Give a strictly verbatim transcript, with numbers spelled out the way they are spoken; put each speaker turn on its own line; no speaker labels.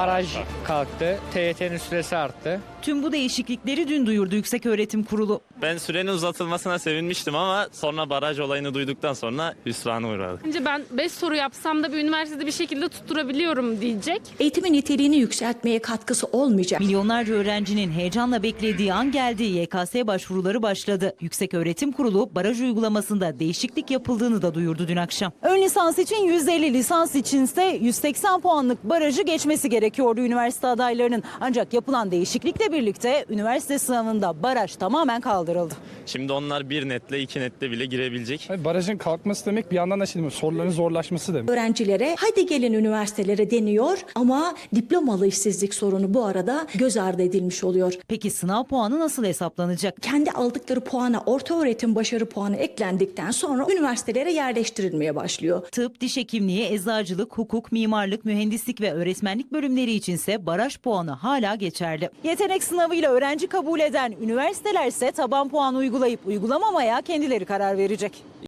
baraj kalktı, T Y T'nin süresi arttı.
Tüm bu değişiklikleri dün duyurdu Yükseköğretim Kurulu.
Ben sürenin uzatılmasına sevinmiştim ama sonra baraj olayını duyduktan sonra hüsrana uğradık.
Bence ben beş soru yapsam da bir üniversitede bir şekilde tutturabiliyorum diyecek.
Eğitimin niteliğini yükseltmeye katkısı olmayacak.
Milyonlarca öğrencinin heyecanla beklediği an geldi. Y K S başvuruları başladı. Yükseköğretim Kurulu baraj uygulamasında değişiklik yapıldığını da duyurdu dün akşam. Ön lisans için yüz elli, lisans içinse yüz seksen puanlık barajı geçmesi gerekiyordu üniversite adaylarının. Ancak yapılan değişiklikle birlikte üniversite sınavında baraj tamamen kaldırıldı.
Şimdi onlar bir netle iki netle bile girebilecek.
Barajın kalkması demek bir yandan da şey demek, soruların zorlaşması demek.
Öğrencilere hadi gelin üniversitelere deniyor ama diplomalı işsizlik sorunu bu arada göz ardı edilmiş oluyor.
Peki sınav puanı nasıl hesaplanacak?
Kendi aldıkları puana orta öğretim başarı puanı eklendikten sonra üniversitelere yerleştirilmeye başlıyor.
Tıp, diş hekimliği, eczacılık, hukuk, mimarlık, mühendislik ve öğretmenlik bölümleri içinse baraj puanı hala geçerli. Yetenek sınavıyla öğrenci kabul eden üniversiteler ise taban puan uygulayıp uygulamamaya kendileri karar verecek.